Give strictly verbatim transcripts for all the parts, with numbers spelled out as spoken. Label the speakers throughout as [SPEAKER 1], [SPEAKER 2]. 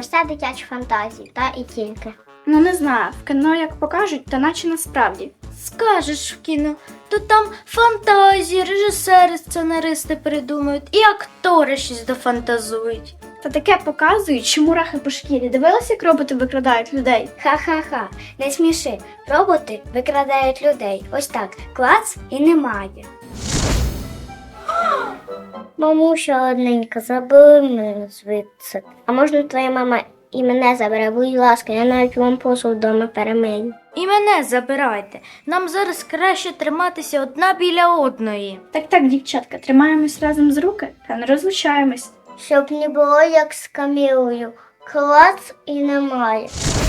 [SPEAKER 1] все дитячі фантазії, та і тільки.
[SPEAKER 2] Ну не знаю, в кіно як покажуть, та наче насправді.
[SPEAKER 3] Скажеш в кіно, то там фантазії, режисери, сценаристи придумають і актори щось дофантазують.
[SPEAKER 2] Та таке показують, що мурахи по шкірі. Дивилися, як роботи викрадають людей?
[SPEAKER 1] Ха-ха-ха, не сміши. Роботи викрадають людей. Ось так, клац і немає. Мамуся одненька, забери мене звідси. А можна твоя мама і мене забере, будь ласка, я навіть вам посуд вдома перемию.
[SPEAKER 3] І мене забирайте. Нам зараз краще триматися одна біля одної.
[SPEAKER 2] Так так, дівчатка, тримаємось разом з руки та не розлучаємось.
[SPEAKER 1] Щоб не було як з Камілою. Клац і немає.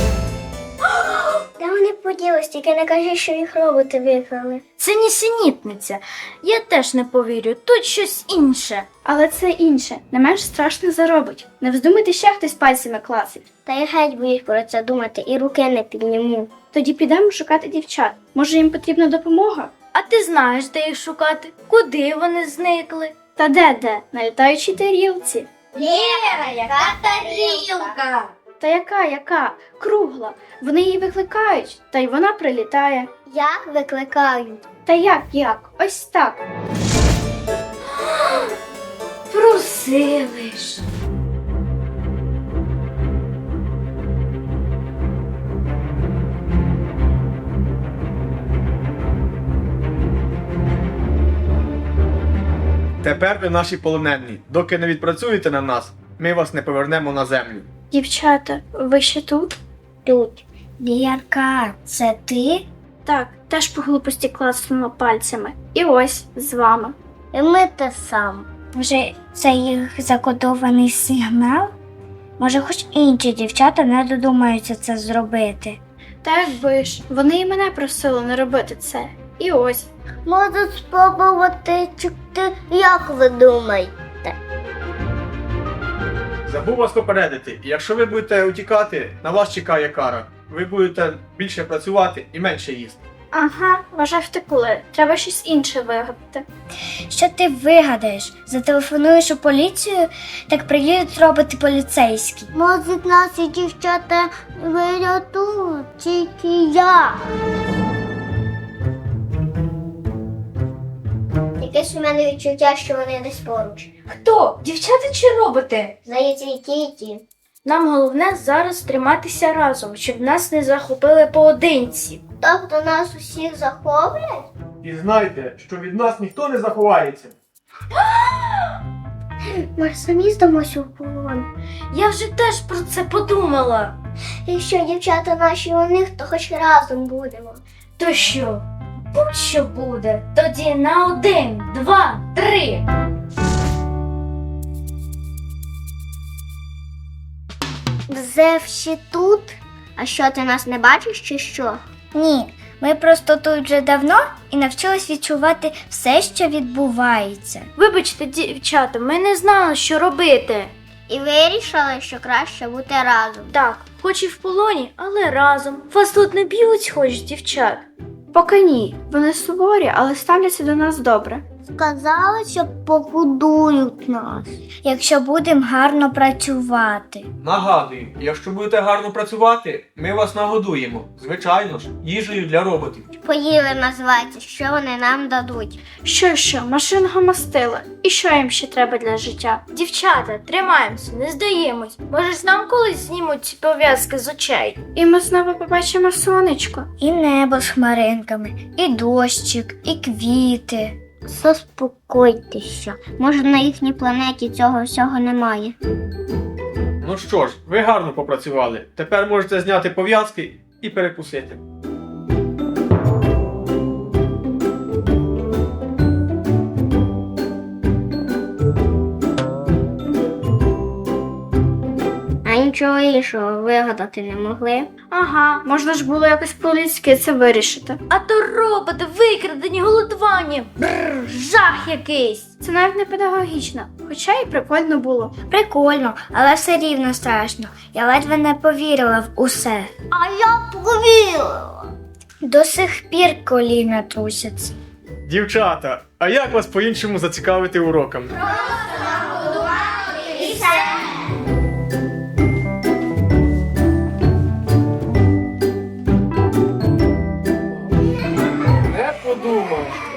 [SPEAKER 1] Де вони поділись? Тільки не кажи, що їх роботи викрали.
[SPEAKER 3] Це нісенітниця. Я теж не повірю, тут щось інше.
[SPEAKER 2] Але це інше, не менш страшно заробить. Не вздумайте ще хтось пальцями класить.
[SPEAKER 1] Та я геть боюсь про це думати і руки не підніму.
[SPEAKER 2] Тоді підемо шукати дівчат. Може, їм потрібна допомога?
[SPEAKER 3] А ти знаєш, де їх шукати? Куди вони зникли?
[SPEAKER 2] Та де-де? На літаючій тарілці.
[SPEAKER 1] Лєра, яка тарілка?
[SPEAKER 2] Та яка, яка? Кругла. Вони її викликають, та й вона прилітає.
[SPEAKER 1] Як викликають?
[SPEAKER 2] Та як, як? Ось так.
[SPEAKER 3] Просили ж.
[SPEAKER 4] Тепер ви наші полонені. Доки не відпрацюєте на нас, ми вас не повернемо на землю.
[SPEAKER 2] Дівчата, ви ще тут?
[SPEAKER 1] Тут. Лєрка, це ти?
[SPEAKER 2] Так, теж по глупості класнула пальцями. І ось, з вами.
[SPEAKER 1] І ми те сам. Може, це їх закодований сигнал? Може, хоч інші дівчата не додумаються це зробити.
[SPEAKER 2] Та якби ж, вони і мене просили не робити це. І ось.
[SPEAKER 1] Можу спробувати чекти, як ви думаєте?
[SPEAKER 4] Забув вас попередити, якщо ви будете утікати, на вас чекає кара. Ви будете більше працювати і менше їсти.
[SPEAKER 2] Ага, вважай втекли. Треба щось інше вигадати.
[SPEAKER 1] Що ти вигадаєш? Зателефонуєш у поліцію, так приїдуть роботи поліцейські. Може, наші дівчата вирятують, тільки я. Якесь у мене відчуття, що вони десь поруч.
[SPEAKER 3] Хто? Дівчата чи роботи?
[SPEAKER 1] Здається, і ті, і ті.
[SPEAKER 3] Нам головне зараз триматися разом, щоб нас не захопили поодинці.
[SPEAKER 1] Тобто нас усіх захоплять?
[SPEAKER 4] І знайте, що від нас ніхто не заховається.
[SPEAKER 1] Ми ж самі здамося у полон.
[SPEAKER 3] Я вже теж про це подумала.
[SPEAKER 1] Якщо дівчата наші у них, то хоч разом будемо.
[SPEAKER 3] То що? Будь-що буде. Тоді на один, два, три.
[SPEAKER 1] Зев ще тут? А що, ти нас не бачиш чи що? Ні, ми просто тут вже давно і навчились відчувати все, що відбувається.
[SPEAKER 3] Вибачте, дівчата, ми не знали, що робити.
[SPEAKER 1] І вирішили, що краще бути разом.
[SPEAKER 3] Так, хоч і в полоні, але разом. Вас тут не б'ють, хоч, дівчат.
[SPEAKER 2] Поки ні. Вони суворі, але ставляться до нас добре.
[SPEAKER 1] Сказали, що погодують нас, якщо будемо гарно працювати.
[SPEAKER 4] Нагадую, якщо будете гарно працювати, ми вас нагодуємо. Звичайно ж, їжею для роботів.
[SPEAKER 1] Поїли називається, що вони нам дадуть.
[SPEAKER 2] Що, що, машинного мастила. І що їм ще треба для життя?
[SPEAKER 3] Дівчата, тримаємося, не здаємось. Може, ж нам колись знімуть ці пов'язки з очей.
[SPEAKER 2] І ми знову побачимо сонечко.
[SPEAKER 1] І небо з хмаринками, і дощик, і квіти. Заспокойтеся. Може, на їхній планеті цього всього немає.
[SPEAKER 4] Ну що ж, ви гарно попрацювали. Тепер можете зняти пов'язки і перекусити.
[SPEAKER 1] А нічого іншого вигадати не могли.
[SPEAKER 2] Ага, можна ж було якось по-людськи це вирішити.
[SPEAKER 3] А то роботи, викрадені, голодування. Бррр, жах якийсь.
[SPEAKER 2] Це навіть не педагогічно, хоча і прикольно було.
[SPEAKER 1] Прикольно, але все рівно страшно. Я ледве не повірила в усе. А я повірила. До сих пір коліна трусяться.
[SPEAKER 4] Дівчата, а як вас по-іншому зацікавити уроками? подумав.